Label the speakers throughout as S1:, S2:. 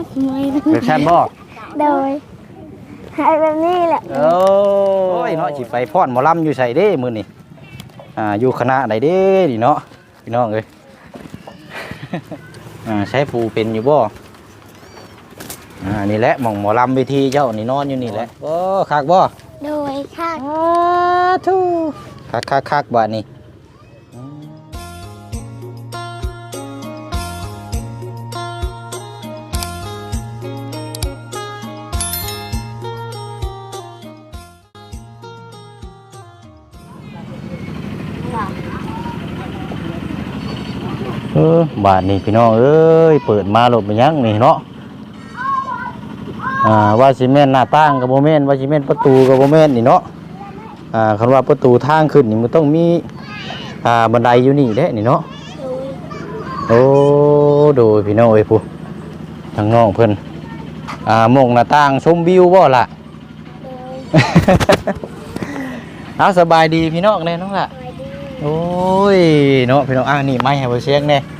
S1: แบบชั้นบ่
S2: โดยให้แบบนี้แหละ
S1: โอ้ยเนาะสิไปฟ้อนหมอลำอยู่ใส่เด้มื้อนี้อยู่คณะใดเด้นี่เนาะพี่น้องเอ้ยใช้ปูเป็นอยู่บ่นี่แหละหม่องหมอลำเวทีเจ้านี่นอนอยู่นี่แหละโอ้คักบ่
S2: โดยค่ะ
S1: ทูคักบ้านนี้บาทนี่พี่น้องเอ้ยเปิดมาหลบไปยังนี่เนาะว่าซีเมนต์หน้าต่างกับโมเมนต์ว่าซีเมนต์ประตูกับโมเมนต์นี่เนาะคำว่าประตูทางขึ้นนี่มันต้องมีบันไดอยู่นี่เด้นี่เนาะโอ้ดูพี่น้องเอ้ยผู้ทางน้องเพิ่นมองหน้าต่างชมวิวบ่ล่ะเอาสบายดีพี่น้องเนี่ยน้องล่ะโอ้ยเนาะพี่น้องนี่ไม้ให้บ่เสียงแน่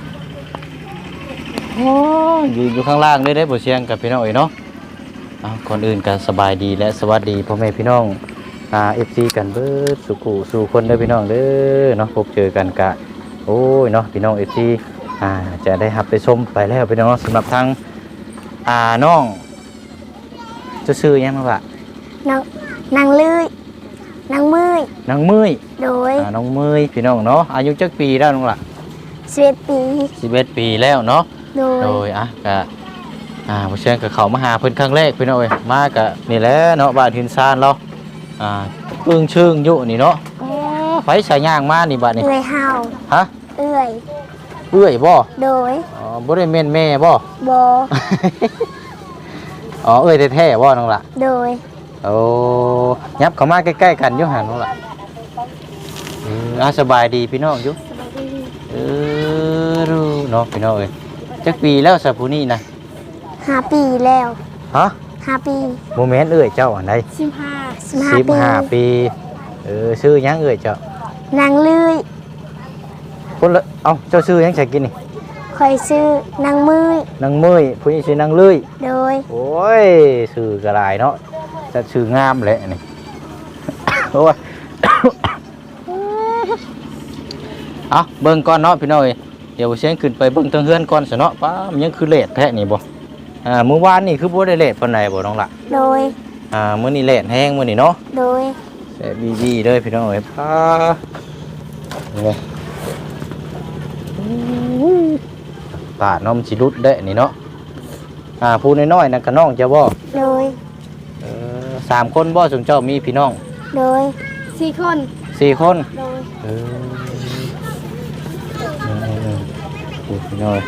S1: อยู่ข้างล่างได้บ่เสียงกับพี่น้องเอ้ยเนาะก่อนอื่นก็สบายดีและสวัสดีพ่อแม่พี่น้องFC กันเบิดสู่คนเด้อพี่น้องเด้อเนาะพบเจอกันกะโอ้ยเนาะพี่น้อง FC จะได้รับได้ชมไปแล้วพี่น้องสำหรับทางน้องจะซื้อยังบ้างล่ะ
S2: นางลื่ยนางมืย
S1: นางมืย
S2: โดย
S1: น้องมืยพี่น้องเนาะอายุจักปีแล้วน้องล่ะ
S2: 11 ปี
S1: แล้วเนาะโดยกะผู้เชี่ยวกับเขามาหาเพิ่นครั้งแรกพี่น้องเอ้ยมากะนี่แหละเนาะบ้านหินซานเราอึ้งชึ่งอยู่นี่เนาะไฟสายย่างมานี่บ้านนี่
S2: เอื้อยเฮา
S1: ฮะ
S2: เอื้
S1: อยบ่
S2: โดย
S1: บ่ได้แม่นแม่บ่เอื้อยแท้ๆบ่น้องล่ะ
S2: โดย
S1: โอ้ยับเข้ามาใกล้ๆกันอยู่หั่นน้องล่ะสบายดีพี่น้องอยู่รู้เนาะพี่น้องเอ้ยจักปีแล้วซะผู้นี้นะ
S2: 5 ปีแล้ว
S1: ฮะ
S2: 5 ปี
S1: โมเมนต์เอ้ยเจ้าอันใด15 ปีชื่อยังเอ้ยเจ้าน
S2: างลื่ย
S1: คนละเจ้าชื่อยังใช้กินนี่
S2: คอยชื่อนางมืย
S1: ผู้นี้ชื่อนางลื่ย
S2: โดย
S1: โอ้ยชื่อกระไรเนาะจะชื่องามเลยนี่โอ้ยเบิ่งก่อนเนาะพี่น้อยเดี๋ยวเสียงขึ้นไปเบิ่งทางเฮือนก่อนซะเนาะป้ามันยังคือเลทแท้นี่บ่มื้อวานนี่คือบ่ได้เลทปานใดบ่น้องล่ะ
S2: โดย
S1: มื้อนี้เลทแห้งมื้อนี้เนาะ
S2: โดย
S1: แซ่บดีๆเด้อพี่น้องเอ้ยป้านี่ปาดน้อมสิรุดเด้นี่เนาะผู้น้อยๆนั่นก็น้องจะบ่
S2: โดย
S1: 3 คนบ่ซุมเจ้ามีพี่น้อง
S2: โดย4 คน
S1: 4 คน
S2: โดย
S1: พี่น้อย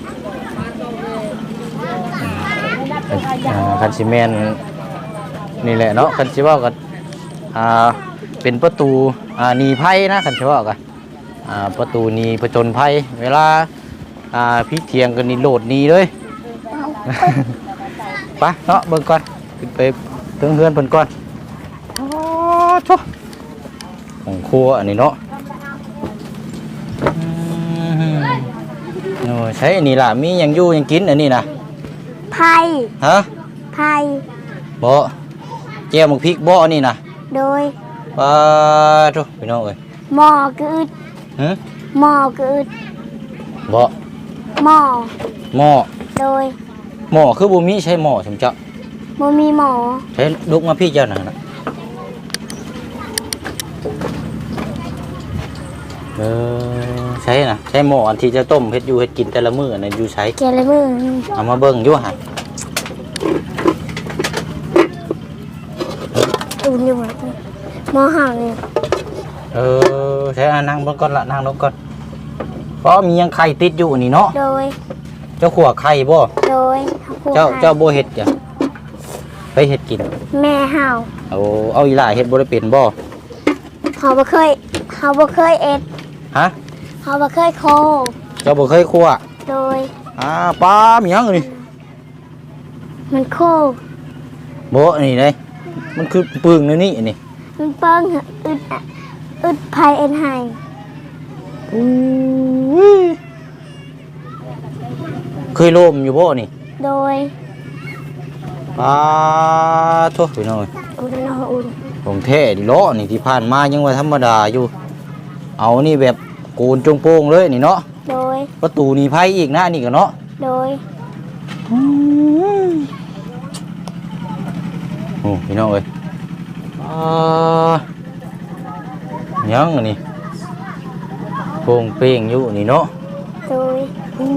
S1: คันซีเมนนี่แหละเนาะคันซีว่ากันเป็นประตูหนีภัยนะคันซีว่ากันประตูหนีผจญภัยเวลาพี่เทียงกันนี่โหลดหนีเลยไปเนาะเบิ่งก่อนขึ้นไปถึงเฮือนเพิ่นก่อนของครัวอันนี้เนาะใช่นี่ล่ะมียังอยู่ยังกินอันนี้นะ
S2: ไผ่
S1: ฮะ
S2: ไผ่
S1: บ่แก้วมักพริกบ่นี่นะ
S2: โดย
S1: ทุกพี่น้องเอ้ย
S2: หม้อกึดหม้อกึด
S1: บ่
S2: หม้อโดย
S1: หม้อคือบ่มีใช้หม้อสมเจ้า
S2: บ่มีหม้อ
S1: ใช้ลุกมาพี่เจ้านั่นน่ะใช่นะใช้หม้ออันที่จะต้มเฮ็ดอยู่เฮ็ดกินแต่ละมื้อน่ะอยู่ใช้
S2: แต่ละมื้อ
S1: เอามาเบิ่งอยู่หั่น
S2: อุ่นอยู่หม้อห่างนี่
S1: ใช้นั่งเบิ่งก่อนละนั่งลงก่อนเพราะมียังไข่ติดอยู่นี่เนาะ
S2: โดย
S1: เจ้าขัวไข่บ่
S2: โดย
S1: เจ้าบ่เฮ็ดจ้ะไปเฮ็ดกิน
S2: แม่เฮา
S1: เอาอีหล่าเฮ็ดบ่ได้เป็นบ่
S2: เขาบ่เคยเอ็ด
S1: ฮะ
S2: เขาบ่เคยโค
S1: เจ้าบ่เคยคั่ว
S2: โดย
S1: ปลามีหยังนี่
S2: มันโค
S1: บ่นี่เลยมันคือปึ้งนี่นี่
S2: มันเปิ้งอึดไผเอ็นไห้
S1: เคยโลมอยู่บ่นี่
S2: โดย
S1: ปลาโทษพี่น้อย
S2: อุ่นนออุ่น
S1: ของแท้ดิเลาะนี่ที่ผ่านมายังว่าธรรมดาอยู่ เอานี่แบบโกนจงโป้งเลยนี่เนาะ
S2: โดย
S1: ประตูนี่ไผอีกนะนี่ก็เนาะ
S2: โดย
S1: โอ้พี่น้องเอ้ยยังอันนี้โป่งเป้งอยู่นี่เนาะ
S2: โดย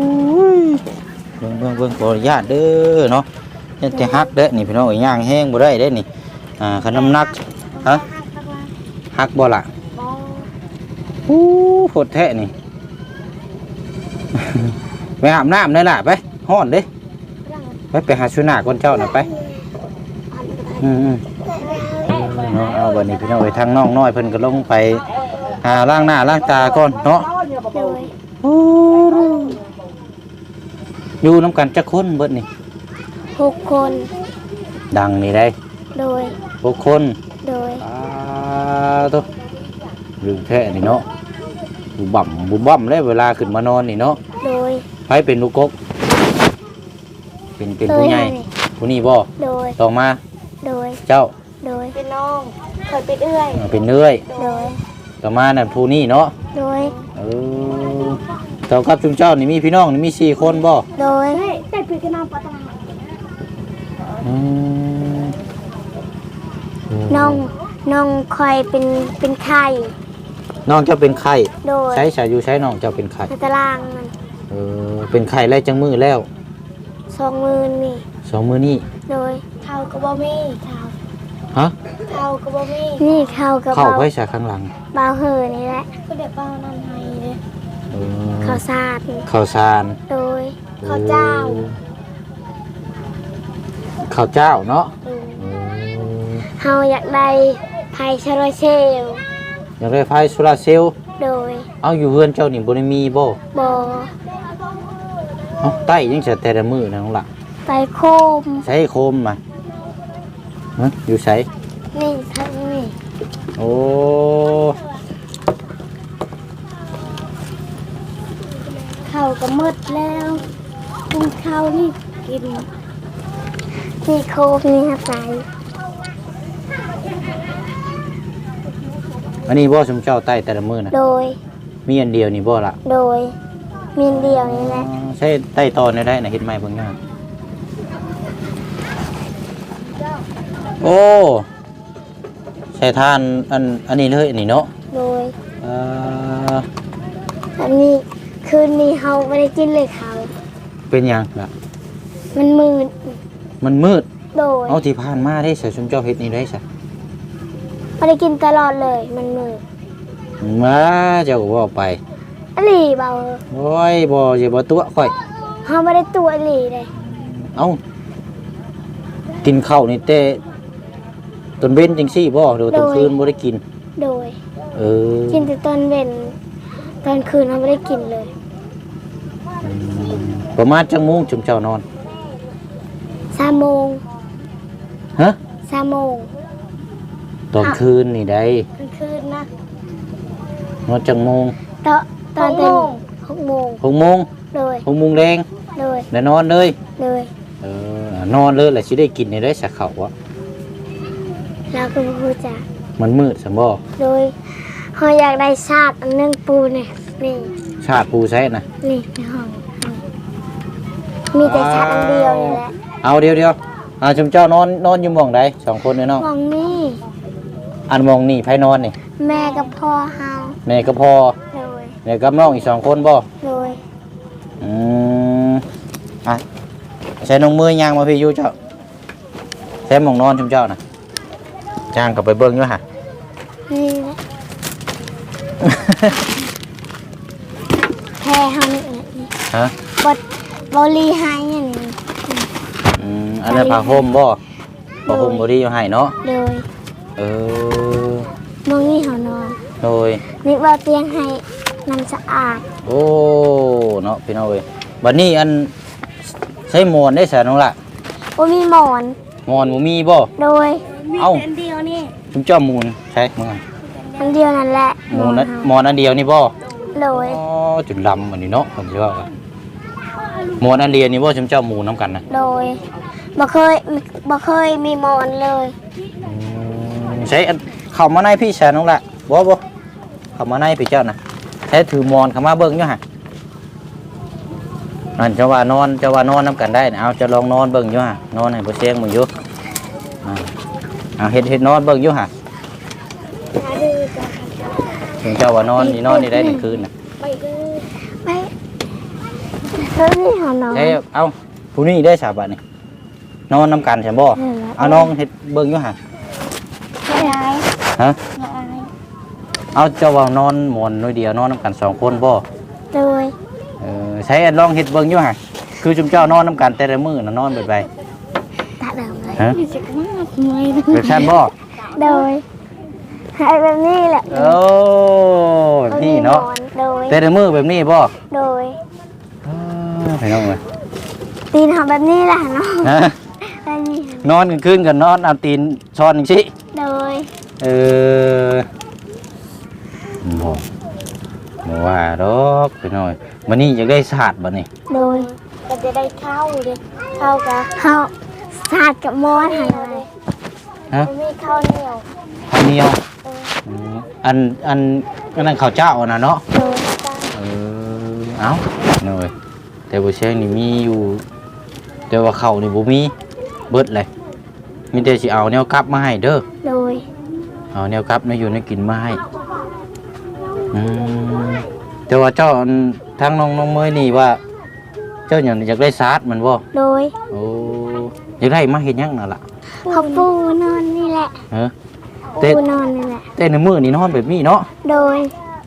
S1: เบิ่งขออนุญาตเด้อเนาะเนี่ยจะฮักเด้อนี่พี่น้องเอ้ยย่างแห้งบ่ได้เด้อนี่คันน้ำหนักฮะฮักบ่ล่ะโหดแท้นี่ ไปอาบน้ำได้ล่ะไปฮ้อนเด้ไปหาชุนาก่อนเจ้าน่ะไปเนาะเอาบัดนี้พี่น้องเอ้ยทางน้องน้อยเพิ่นก็ลงไปหาล้างหน้าล้างตาก่อนเนาะ
S2: โดย
S1: อยู่น้ำกันจักคนเบิดนี่
S2: 6 คน
S1: ดังนี่ได้
S2: โดย
S1: 6 คน
S2: โดย
S1: ตัวลืมแท้นี่เนาะบุบบ่ำเลยเวลาขึ้นมานอนนี่เนาะ
S2: โดย
S1: ไผเป็นลูกกกเป็นผู้ใหญ่ผู้นี้บ่
S2: โดย
S1: ต่อมา
S2: โดย
S1: เจ้า
S2: โดยเป็นน้องเคยเป็นเอื้อย
S1: เป็นเนื้อย
S2: โดย
S1: ต่อมานั่นผู้นี้เนาะ
S2: โดย
S1: เจ้ากับจุมเจ้านี่มีพี่น้องนี่มี4 คนบ่
S2: โดยได้พี่กับน้องปะตาน้องคอยเป็นไข่
S1: น้องเจ้าเป็นไข้
S2: โดย
S1: ใช้สายอยู่ใช้น้องเจ้าเป็นไข้
S2: ในตารางมัน
S1: เป็นไข้ไล่จังมือแล้ว
S2: 20,000นี่
S1: 2 มื้อนี้
S2: โดยเท่ากับบ่มีเท่า
S1: ฮะ
S2: เท่ากับบ่มีนี่เท่ากับ
S1: เข้าไว้ฉากข้างหลัง
S2: เบาเห่อนี่แหละก็เดี๋ยวเบานั่นให้เลยข้าวสาร
S1: ข้าวสาร
S2: โดยข้าวเจ้า
S1: ข้าวเจ้าเนาะ
S2: เฮาอยากได้ไผ่ชาโรเชล
S1: อยากได้ไฟโซลาร์เซลล์
S2: โดย
S1: เอาอยู่เฮือนเจ้านี่บ่ได้มีบ่
S2: บ่
S1: เอาใต้ยังจะแต่ละมื้อนะน้องล่ะ
S2: ไฟโคม
S1: ใช้โคมมาฮะอยู่ไส
S2: นี่ทั้งนี่
S1: โอ้
S2: ข้าวก็หมดแล้วกินข้าวนี่กินนี่โคมนี่ครับใส่
S1: อันนี้บ่สมเจ้าใต้แต่ละมื้อนะ
S2: โดย
S1: มีอันเดียวนี่บ่ล่ะ
S2: โดยมีอันเดียวนี่แหละ
S1: ใช้ใต้ตอนได้นะเฮ็ดไม้เบิ่งงามโอ้ใช้ทานอันนี้เลยอันนี้เนาะ
S2: โดย
S1: เอ่อ
S2: อันนี้คืนนี้เฮาไม่ได้กินเลยข้าว
S1: เป็นหยังล่ะ
S2: มันมืด
S1: มันมืด
S2: โดย
S1: เอาที่ผ่านมาได้ใส่สมเจ้าเฮ็ดนี่ได้ซะ
S2: ไม่ได้กินตลอดเลยมันมืด
S1: มาเจ้าก็บ่ไป
S2: อหลีเบา
S1: โอ้ยบ่สิบ่ตัวข่อย
S2: เฮาไม่ได้ตัวอหลีเลย
S1: เอ้ากินข้าวนี่แต่ตอนเว้นจังซี่บ่หรือตอนคืนบ่ได้กิน
S2: โดย
S1: เออ
S2: กินแต่ตอนเว้นตอนคืนเราไม่ได้กินเลย
S1: ประมาณจังโมงจุมเจ้านอน
S2: 3 โมง
S1: ฮะ
S2: 3 โมง
S1: ตอนคืนนี่ได้
S2: กลางคืนนะ
S1: นอนจังโมง
S2: ตอนเป็น6 โมง
S1: 6 โมง
S2: โดย
S1: 6 โมงแดง
S2: โดย
S1: แล้วนอนเลย
S2: โดย
S1: นอนเลยแหละสิได้กินได้สักข้าวอ่ะ
S2: เราก็บ่รู้จัก
S1: มันมืดซั่นบ่
S2: โดยเฮาอยากได้ชาติอันหนึงปูเนี่ยนี่
S1: ชาติปูใช้น่ะ
S2: นี่ในห้องมีแต่ชาติอันเดียวนี่แหละ
S1: เอาเดี๋ยวจุมเจ้านอนอยู่หม่องใด2 คนเนาะ
S2: มองนี่
S1: อันหม่องนี่ไผนอนนี่
S2: แม่กับพ่อเฮา
S1: แม่กับพ่อ
S2: โดย
S1: แม่กับน้องอีก2 คนบ่
S2: โดย
S1: อ่ะใช้น้องมือย่างมาพี่อยู่เจ้าใช้หมองนอนชุมเจ้านะจ้างกลับไปเบิ้งด้วยฮะ
S2: นี่แหละแพ้เฮานี่แหละนี่
S1: ฮะ
S2: บรีให้อย่างนี้
S1: อันนั้นผ้าห่มบ่ผ้าห่มบริอยู่ให้เนาะ
S2: โดย
S1: เออ
S2: มองนี่เฮานอน
S1: โดย
S2: นี่ว่าเตียงให้น้ำสะอาด
S1: โอ้เนาะพี่น้องเอ้ยบัดนี้อันใช้หมอนได้สะน้องล่ะ
S2: ว่ามีหมอน
S1: หมอนบ่มีบ่
S2: โดย
S1: เอ้า
S2: อันเดียวนี่
S1: ชุมเจ้ามูลใช่มั้ง
S2: อันเดียวนั่นแหละ
S1: หมอนนั้นหมอนอันเดียวนี่บ่
S2: โดย
S1: อ๋อจุดลำอันนี้เนาะผมสิว่ากันหมอนอันเดียวนี่บ่ชุมเจ้ามูลน้ำกันนะ
S2: โดยบ่เคยมีหมอนเลย
S1: ใช้เข้ามาในพี่แชร์น้องละบ่เข้ามาในพี่เจ้านะใช้ถือมอนเข้ามาเบิ่งอยู่ฮะนั่นจะว่านอนน้ำกันได้นะเอาจะลองนอนเบิ่งอยู่ฮะนอนให้บ่เสียงมึงอยู่เอาเฮ็ดนอนเบิ่งอยู่ฮะ
S2: หาดื้อจ้ะ
S1: ถึงเจ้าว่านอนนี่ได้ในคืนน่ะ
S2: ไปดื้อไปเฮ้ยนี่หานอน
S1: ใช้เอาผู้นี้ได้สาบานนี่นอนน้ำกันใช่บ่เอาน้องเฮ็ดเบิ่งอยู่ฮะ
S2: ไม่ได้
S1: ฮะ
S2: ไม่ได้
S1: เอาเจ้าว่านอนหมอนน้อยเดียวนอนน้ำกัน2คนบ่
S2: โดย
S1: ใช้ลองเฮ็ดเบิ่งอยู่ฮะคือจุมเจ้านอนน้ำกันแต่ละมื้อน่ะนอนแบบใด
S2: ตาเดิมเลย
S1: ฮะ
S2: รู้สึกมากเลย
S1: แบบชั้นบ่
S2: โดยให้แบบนี้แหละ
S1: โอ้แบบนี้เนาะ
S2: โดย
S1: แต่ละมื้อแบบนี้บ่
S2: โดย
S1: ไปน้องเอ้ย
S2: ตีนทำแบบนี้แหละเนาะ
S1: ฮะ
S2: แบบนี้
S1: นอนกลางคืนกันนอนเอาตีนช้อนจังซี่
S2: โดย
S1: บ่ว่าดอกไปหน่อยมื้อนี้อยากได้ศาสตร์บ่นี่
S2: โดยก็จะได้เข้าเลยเข้ากับเข้าสาดกับมอนอะไร
S1: ฮะ
S2: จะมีข้าวเหนียว
S1: ข้าวเหนียว
S2: เออ
S1: อันนั้นข้าวเจ้าน่ะเนาะ
S2: โดยจ้า
S1: เอ้าหน่อยแต่บ่เชียงนี่มีอยู่แต่ว่าข้าวนี่บ่มีเบิดเลยมีแต่สิเอาแนวกลับมาให้เด้อ
S2: โดย
S1: เอาแนวกลับในอยู่ในกินมาให้แต่ว่าเจ้าทางน้องเมยนี่ว่า เจ้าอยากได้ซาดมันบ่
S2: โดย
S1: โอ้อยากได้มาเฮ็ดหยังน่ะล่ะ
S2: เขาปูนอนนี่แหละ
S1: เออ
S2: ปูนอนนี่แหละ
S1: แต่ในมื้อนี่นอนแบบนี้เนาะ
S2: โดย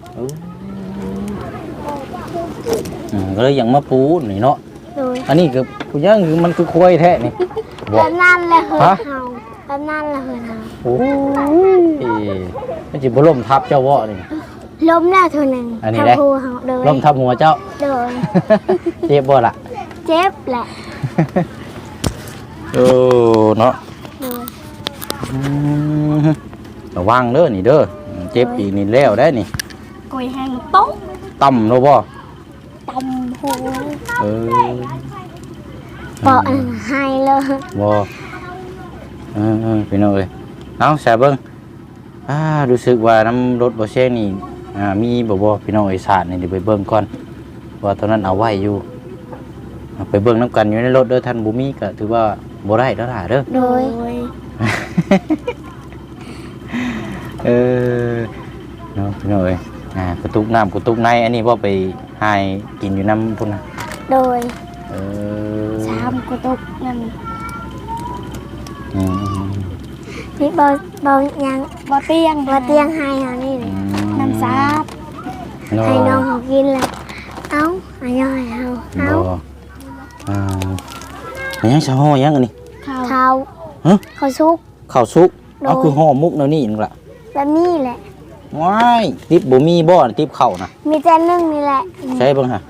S1: ก็เลยยังมาปูนี่เนาะ
S2: โดย
S1: อันนี้คือผู้ย่างคือมันคือควายแท้นี่
S2: แบบนั่นแหละเหิน
S1: ฮะ
S2: เฮาแบบนั่นแหละเหินเฮา
S1: โอ้ยมันสิบ่ล่มทับเจ้าเวาะนี่
S2: ล้มแล้วเท่านึง
S1: อันนี้ได้
S2: ทำพูเฮาโดย
S1: ล่มทับหัวเจ้า
S2: โดย
S1: เจ็บบ่ล่ะ
S2: เจ็บแหละ
S1: โอ้เนาะ
S2: โดย
S1: ระวังเด้อนี่เด้อเจ็บอีกนี่แล้วได้นี่
S2: กุยแห้งโต๊ะ
S1: ต่ำเนาะบ่
S2: ตำหู
S1: เออ
S2: เปาะอันให้เลย
S1: บ่พี่น้องเอ้ยเอาแซ่เบิ่งรู้สึกว่าน้ำรถบ่แซ่นี่มีบ่พี่น้องเอ้ยสาดนี่เดี๋ยวไปเบิ่งก่อนว่าตอนนั้นเอาไว้อยู่ไปเบิ่งน้ำกันอยู่ในรถเด้อท่านบ่มีก็ถือว่าบ่ได้แล้วล่ะเด้อ
S2: โดย
S1: เนาะพี่น้องเอ้ยกระตุกน้ำกระตุกในอันนี้บ่ไปหายกินอยู่น้ำพุ่นนะ
S2: โดย
S1: เออ
S2: สามกุตุกนั่น
S1: อืม
S2: นี่บอยังบอเตียงให้เฮานี่เลยน้ำซับให้น้องเขากินเลยเอ้าอันย่อยเฮา
S1: บ่
S2: เอ้า
S1: อันยังสิห่อยังอันนี้
S2: เขา
S1: ฮะ
S2: เขาซุก
S1: ข้าวสุกเอาคือห่อมุกแนวนี้นึงล่ะ
S2: แบบนี้แหละ
S1: ว้ายติ๊บบ่มีบ่ติ๊บข้าวน่ะ
S2: มีแต่นึ่งนี่แหละ
S1: ใช่เบิ่งฮะ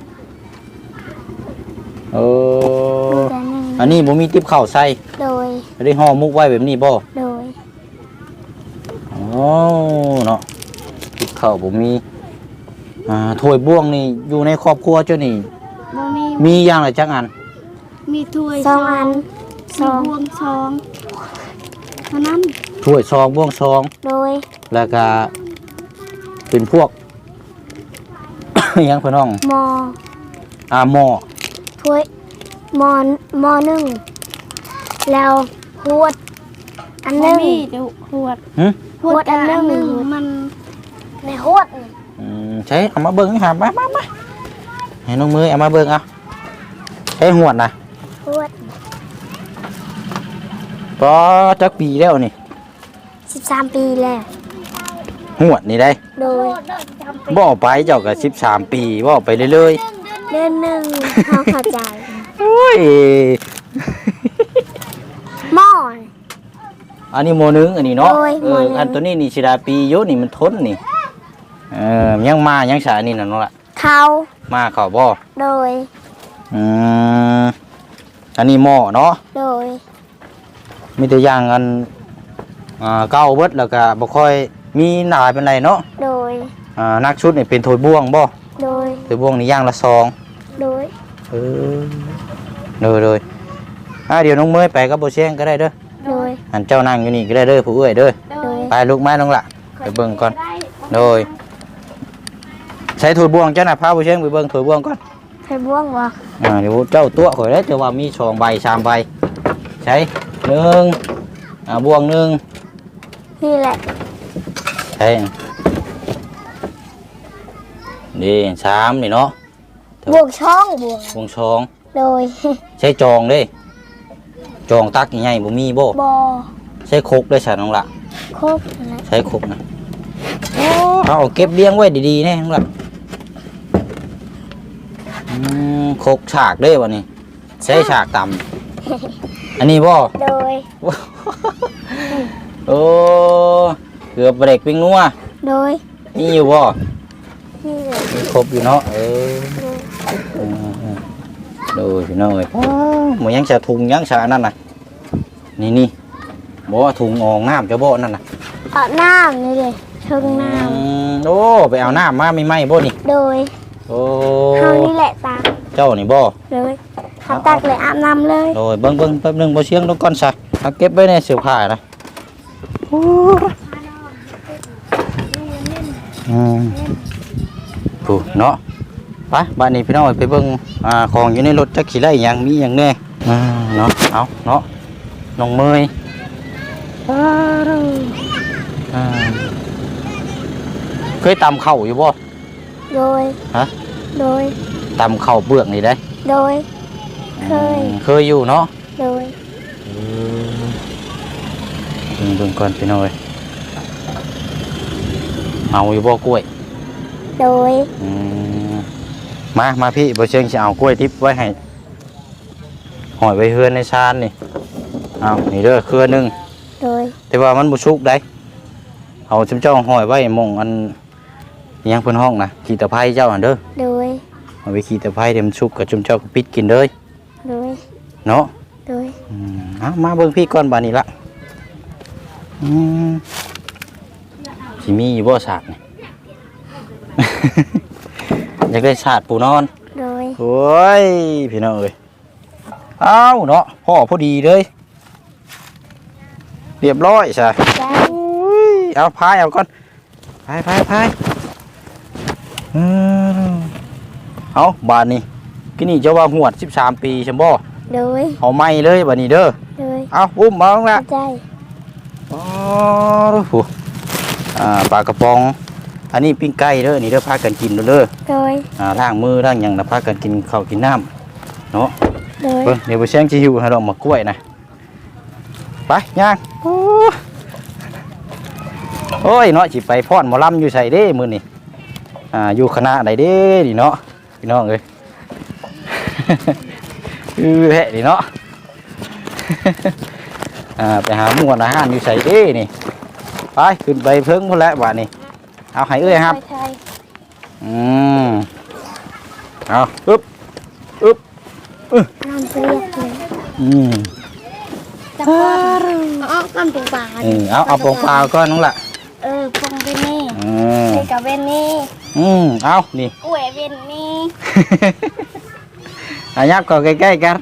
S1: เอ
S2: มี
S1: อ
S2: แต่นึ่ง
S1: อันนี้บ่มีติ๊บข้าวใส่
S2: โดย
S1: ได้ห่อมุกไว้แบบนี้บ่
S2: โดย
S1: โอ้เนาะติ๊บข้าวบ่มีถ้วยบ้วงนี่อยู่ในครอบครัวเจ้านี่
S2: บ่มี
S1: มีอย่างละจักอัน
S2: มีถ้วยสองอันสองบวงสองเท่านั้น
S1: ถ้วยซองบ้วงซอง
S2: โดย
S1: แล้วก็เป็นพวก หยังพี่น้อง
S2: หมอ
S1: หม้อ
S2: ถ้วยหมอหนึ่งแล้วหวดอันหนึ่ง
S3: หวด
S1: หึ
S2: หวดอันหนึ่ง
S3: มัน
S2: ในหวด
S1: ใช้เอามาเบิ่งหามาให้น้องมือเอามาเบิ่งเอาใช้หวดนะ
S2: หวด
S1: ก็จักปีแล้วนี่
S2: 13 ปีแล้ว
S1: หวดนี่ได้
S2: โดย
S1: บ่ไปเจ้าก็13 ปีบ่ไปเรื่อย
S2: เดือนหนึ่งเขาเข้าใจ
S1: ๆโอ้ย
S2: หม้อ
S1: อันนี้โมนึงอันนี้เนาะ
S2: โอ้ยโมนึง
S1: อันตัวนี้นี่สิดาปีอยู่นี่มันทนนี่ยังมายังสานี่น่ะเนาะล่ะ
S2: เขา
S1: มาเข้าบ่
S2: โดย
S1: อืมอันนี้หม้อเนาะ
S2: โดย
S1: มีแต่อย่างอันเก่าเบิดแล้วก็บ่ค่อยมีหลายเป็นไรเนาะ
S2: โดย
S1: นักชุดนี่เป็นถ้วยบ้วงบ่
S2: โดย
S1: ถ้วยบ้วงนี่อย่างละซอง
S2: โดย
S1: เออเลยเดี๋ยวน้องเมยไปกับบ่เชียงก็ได้เด้อ
S2: โดย
S1: หันเจ้านั่งอยู่นี่ก็ได้เด้อผู้เอ้ยเด้อ
S2: โดย
S1: ไปลูกมาน้องละไปเบิ่งก่อนโดยใช้ถั่วบวงเจ้าน่ะพาบ่เชียงไปเบิ่งถั่วบวงก่อน
S2: ใส่บ่วงบ่
S1: เดี๋ยวเจ้าตัวข่อยแล้วจะว่ามี2ใบ3ใบใช้1บวง1
S2: นี่แหละ
S1: ใช่นี่3นี่เนาะ
S2: บวงช่องบวง
S1: บวงช่อง
S2: โดย
S1: ใช้จองเด้จองตักใหญ่ๆบ่มีบ่
S2: บ่
S1: ใช้ครกได้ฉันน้องละ
S2: ครบนั่นแหละ
S1: ใช้ครกนะเอาเก็บเลี้ยงไว้ดีๆแน่น้องละครกฉากเด้วันนี้ใช้ฉากต่ำอันนี้บ่
S2: โดย
S1: โอ้เกือบเบรกปิ้งนัว
S2: โดย
S1: นี่อยู่บ่
S2: นี่เลย
S1: มีครบอยู่เนาะดูพี่น้อยหมูยังจะถุงยังจะนั่นน่ะนี่บอกว่าถุงอองน้ำจะบ่นั่นน่ะ
S2: เอาน้ำนี่เลยเชิงน้
S1: โอ้ไปเอาน้ำมาไม่ไหมบ่นี่
S2: ำโดย
S1: โอ้
S2: เฮานี่แหละตัก
S1: เจ้านี่บ่
S2: เลยเขาตักเลยอาบน้ำเลย
S1: โดยเบิ่งแป๊บนึงบ่เชียงต้องก้อนซะเอาเก็บไว้ในเสื้อผ้านะผู้เนาะไปบ้านนี้พี่น้องไปเบิ่งของอยู่ในรถจักขี่ไล่หยังมีหยังแน่เนาะเอาเนาะน้องเมยเคยตำเข่าอยู่บ่
S2: โดย
S1: ฮะ
S2: โดย
S1: ตำเข่าเปลือกนี่ได้
S2: โดย เคย
S1: อยู่เนาะ
S2: โดย
S1: เบิ่งก่อนพี่น้อยเอาอยู่บ่กล้วย
S2: โดย
S1: มาพี่บ่เชิงสิเอากล้วยทิพย์ไว้ให้หอยไว้เฮือนในชานนี่เอานี่เด้อเครือนึง
S2: โดย
S1: แต่ว่ามันบ่สุกได้เอาชุมเจ้าหอยไว้หม่องอันยังเพิ่นห้องนะขี้ตะไคร้เจ้าอันเด้อ
S2: โดย
S1: เอาไปขี้ตะไคร้เดี๋ยวมันสุกกับชุมเจ้าก็ปิดกินเลย
S2: โดย
S1: เนาะ
S2: โดย
S1: เอามาเบิ่งพี่ก่อนบาดนี้ละสิมีอยู่บ่สากนี่ อยากได้ชาติปูนอน
S2: โดย
S1: โอ้ยพี่น้องเอ้ยเอาเนาะพ่อพอดีเลยเรียบร้อยใช่
S2: จ้า
S1: เอาพายเอาก่อนพายเอาบานนี้กินนี่จะว่าหวด13 ปีใช่บ่
S2: โดย
S1: เอาไม่เลยบานนี้เด้อ
S2: โดย
S1: เอาอุ้มมาลงละ
S2: ใจ
S1: อ๋อดูปลากระป๋องอันนี้ปิ้งไก่เด้อนี่เด้อพากันกินเด้อ
S2: โดย
S1: ล้างมือล้างหยังนะพากันกินข้าวกินน้ำเนาะ
S2: โดย
S1: เบิ่งเดี๋ยวไปแช่งชิวให้เรามากล้วยนะไปย่างโอ้ยเนาะสิไปฟ้อนหมอลำอยู่ใส่เด้มื้อนี่อยู่คณะใดเด้ดิเนาะพี่น้องเอ้ย แฮะดิเนาะ ไปหาหมวดอาหารอยู่ใส่เด้นี่ไปขึ้นไปเพิ่งพุ่นแล้วบาดนี้เอาให้เอ้ยครับเอาอึ๊บ
S2: น้ำเปรี้ยวเลย จับเอาน้ำปูปลา
S1: เอาปองเปล่าก่อนน้องละ
S2: ปองเวนนี่เด็กกับเวนนี่
S1: เอานี่
S2: กล้วยเวนนี่
S1: ยับก็ใกล้ๆกัน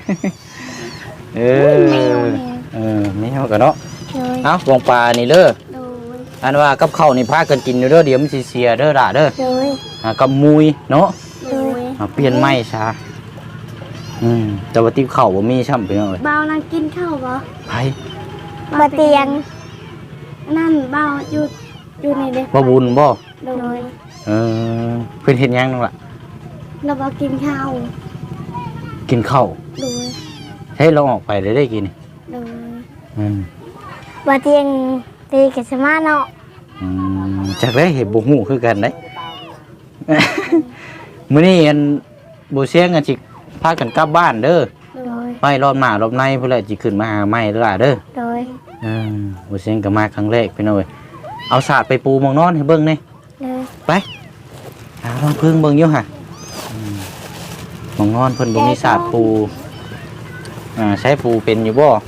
S1: ไม่เอากันเนาะเอาปองปลานี่เด้ออันว่ากับข้าวนี่พากันกินเด้อเดี๋ยวมันสิเสียเด้อล่ะเด้อกับมุยเนาะเปลี่ยนไม้ซะแต่ว่าติ๊บข้าวบ่มีช่ำไปหน่อย
S2: เบานั่งกินข้าวบ่
S1: ไป
S2: มาเตียงนั่นเบาอยู่ในเด็ก
S1: บ่บุญบ่
S2: โดย
S1: เพิ่นเฮ็ดหยังนั่นล่ะ
S2: เราเบากินข้าว
S1: กินข้าว
S2: โดย
S1: ให้เราออกไปได้กิน
S2: โดย
S1: มา
S2: เตียงตีกับสมาเนาะ
S1: จากได้เห็นบ่ฮู้คือกันได้ มื้อนี้อันบ่เสียงกันสิพากันกลับบ้านเด้อ
S2: โดย
S1: ไปรอบหน้ารอบในพุ่นแหละสิขึ้นมาหาใหม่เด้อล่ะเด้อ
S2: โดย
S1: บ่เสียงก็มาครั้งแรกพี่น้อยเอาสาดไปปูหมองนอนให้เบิ่งนี่
S2: โดย
S1: ไปลองพึ่งเบิ่งอยู่ห่ะหมองนอนเพิ่นบ่มีสาดปูใช้ปูเป็นอยู่บ่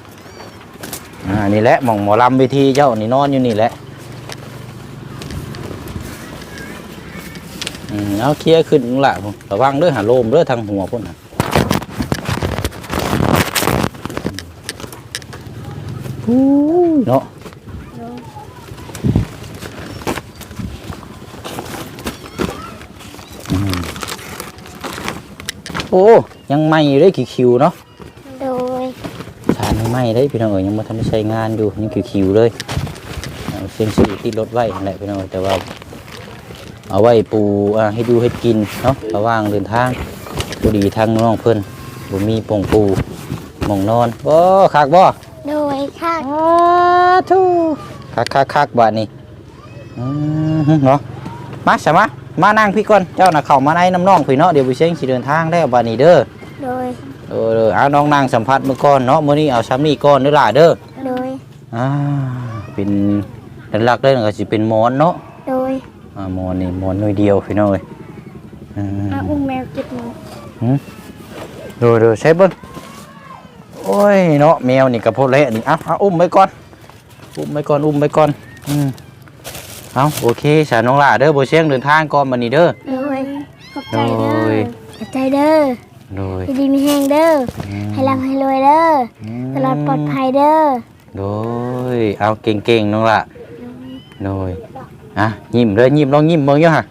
S1: นี่แหละหมองหมอลำเวทีเจ้านี่นอนอยู่นี่แหละเอาเคลียร์ขึ้นละระวังเด้อหาโลมเด้อทางหัวพุ่นน่ะเนาะโอ้ยังใหม่อยู่ได้คิวๆเนาะ
S2: โดย
S1: ชานยังใหม่ได้พี่น้องเอ๋ยยังบ่ทันได้ใช้งานอยู่ยังคิวๆเลยเอาเซ็นชื่อติดรถไว้นั่นแหละพี่น้องแต่ว่าเอาไว้ปูให้ดูให้กินเนาะระหว่างเดินทางพอดีทางน้องเพิ่นบ่มีปงปูหม่องนอนโอ้คักบ่
S2: โดยค่ะ
S1: ทูคักบาดนี้เนาะมาใช่มะมานั่งพี่ก่อนเจ้าน่ะเข้ามาในน้ำน้องพี่เนาะเดี๋ยวไปเชียงสิเดินทางแล้วบาดนี้เด้อ
S2: โดย
S1: เอาน้องนั่งสัมผัสมื้อก่อนเนาะมื้อนี้เอาซ้ำนี่ก่อนเด้อล่ะเด้อ
S2: โดย
S1: เป็นหลักๆเลยก็สิเป็นหมอนเนาะ
S2: โดย
S1: หมอนนี่หมอนหน่วยเดียวพี่น้องเอ้ย
S2: อุ้มแมวจิตหนู
S1: ดูใช้เบิ่งโอ้ยเนาะแมวนี่ก็พอแล้วนี่เอาอุ้มไว้ก่อนเอาโอเคสาน้องล่ะเด้อบ่เชียงเดินทางก่อนบัดนี้เด้อ
S2: โดยขอบใจเด้อขอบใจเด้อ
S1: โดย
S2: ดีมีแห้งเด้อให้ร่ำให้รวยเด้อตลอดปลอดภัยเด้อ
S1: โดยเอาเก่งๆน้องล่ะโดยยิ้มเลยยิ้มลองยิ้มเบิ่งอยู่ฮะ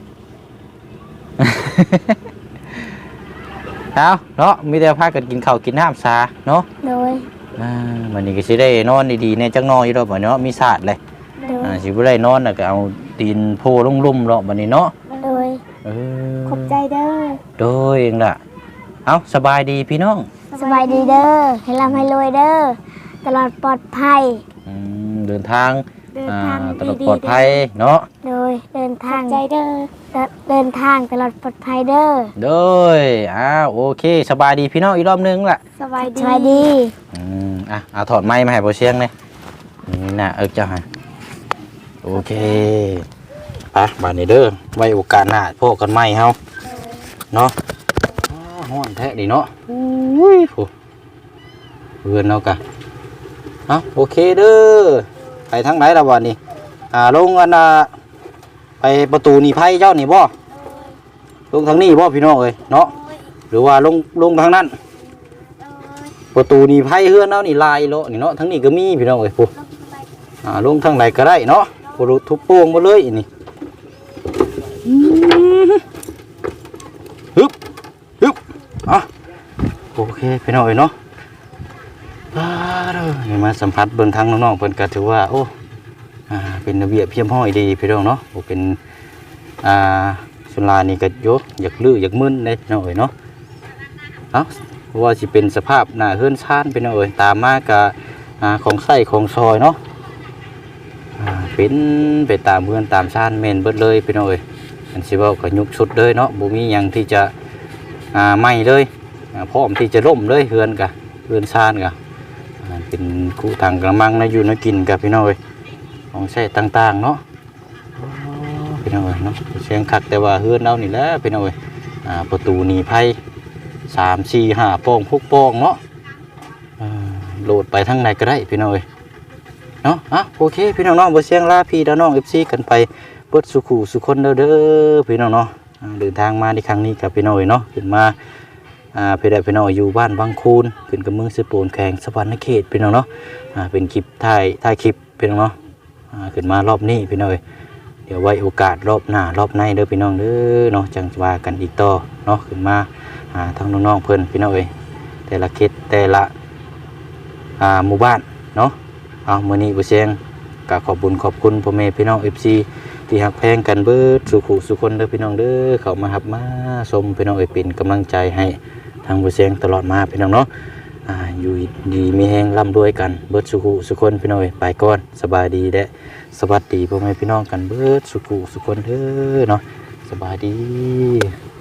S1: เอาเนาะมีแต่พากันกินข้าวกินน้ำซาเนาะ
S2: โดย
S1: วันนี้ก็สิได้นอนดีๆในจังนอนอยู่ดอกบัดเนาะมีศาสตร์เลย
S2: โดย
S1: สิบ่ได้นอนน่ะก็เอาตีนโพลุ่มๆเนาะบัดนี้เนาะ
S2: โดยขอบใจเด้อ
S1: โดยเองล่ะเอาสบายดีพี่น้อง
S2: สบายดีเด้อให้ร่ำให้รวยเด้อตลอดปลอดภัย
S1: เดินทางตลอดปลอดภัยเนาะ
S2: โดยเดินทางใจเด้อเดินทางตลอดปลอดภัยเด้อ
S1: โดยโอเคสบายดีพี่น้องอีกรอบนึงล่ะ
S2: สบายดี
S1: เอาถอดไม้มาให้บ่เชียงเลยนี่น่ะจ้าฮะโอเคไปบัดนี้เด้อไว้โอกาสหน้าพบกันใหม่เฮาเนาะฮ้อนแท้ดิเนาะอุ้ยเพื่อนเนาะกะโอเคเด้อไปทางไหนล่ะวันนี้ลงกันไปประตูนี่ไพ่เจ้านี่บ่ลงทางนี้บ่พี่น้องเอ้ยเนาะหรือว่าลงทางนั้นประตูนี่ไพ่เฮือนเนาะนี่ลายโลนี่เนาะทั้งนี้ก็มีพี่น้องเอ้ยปุ๊ลงทางไหนก็ได้เนาะปุ๊ทุบโป่งมาเลยนี่ฮึบโอเคพี่น้องเอ้ยเนาะนี่มาสัมผัสเบิ่งทางน้องๆเพิ่นก็ถือว่าโอ้เป็นระเบียบเพียบห้อยดีพี่น้องเนาะโอ้เป็นสุรานี่ก็โยอยากลื้ออยากมึนได้พี่น้องเอ้ยเนาะเพราะว่าสิเป็นสภาพหน้าเฮือนชานพี่น้องเอ้ยตามมาก็ของไส้ของซอยเนาะเป็นไปตามเฮือนตามชานแม่นเบิดเลยพี่น้องเอ้ยอันสิเว้าก็ยุบชุดเลยเนาะบ่มีหยังที่จะไหม้เลยพร้อมที่จะล่มเลยเฮือนชานก็เป็นคู่ทางกระมังนะอยู่นะกินกับพี่น้องเอ้ยของใช้ต่างๆเนาะพี่น้องเอ้ยเนาะเสียงคักแต่ว่าเฮือนเรานี่แหละพี่น้องเอ้ยประตูหนีภัย3 4 5ป้อง6ป้องเนาะโหลดไปทางไหนก็ได้พี่น้องเอ้ยเนาะโอเคพี่น้องเนาะบ่เสียงลาพี่น้อง FC กันไปเบิดสุขุสุคนเด้อพี่น้องเนาะเดินทางมาในครั้งนี้กับพี่น้องเอ้ยเนาะขึ้นมาพี่ได้พี่น้องอยู่บ้านบางคูนขึ้นกับเมืองสิปูนแข่งสวรรค์เขตพี่น้องเนาะเป็นคลิปถ่ายคลิปพี่น้องเนาะขึ้นมารอบนี้พี่น้องเดี๋ยวไว้โอกาสรอบหน้ารอบในเด้อพี่น้องเด้อเนาะจังว่ากันอีกต่อเนาะขึ้นมาทางน้องๆเพิ่นพี่น้องแต่ละเขตแต่ละหมู่บ้านเนาะมื้อนี้บ่เสียงก็ขอบคุณพ่อแม่พี่น้อง FC ที่ฮักแพงกันเบิดสุขุสุคนเด้อพี่น้องเด้อเข้ามาหับมาชมพี่น้องเป็นกำลังใจให้ทางบ่เสียงตลอดมาพี่น้องเนาะอยู่ดีมีแฮงร่ำรวยกันเบิดสุขุสุคนพี่น้องไปก่อนสบายดีและสวัสดีพ่อแม่พี่น้องกันเบิดสุขุสุคนเด้อเนาะสบายดี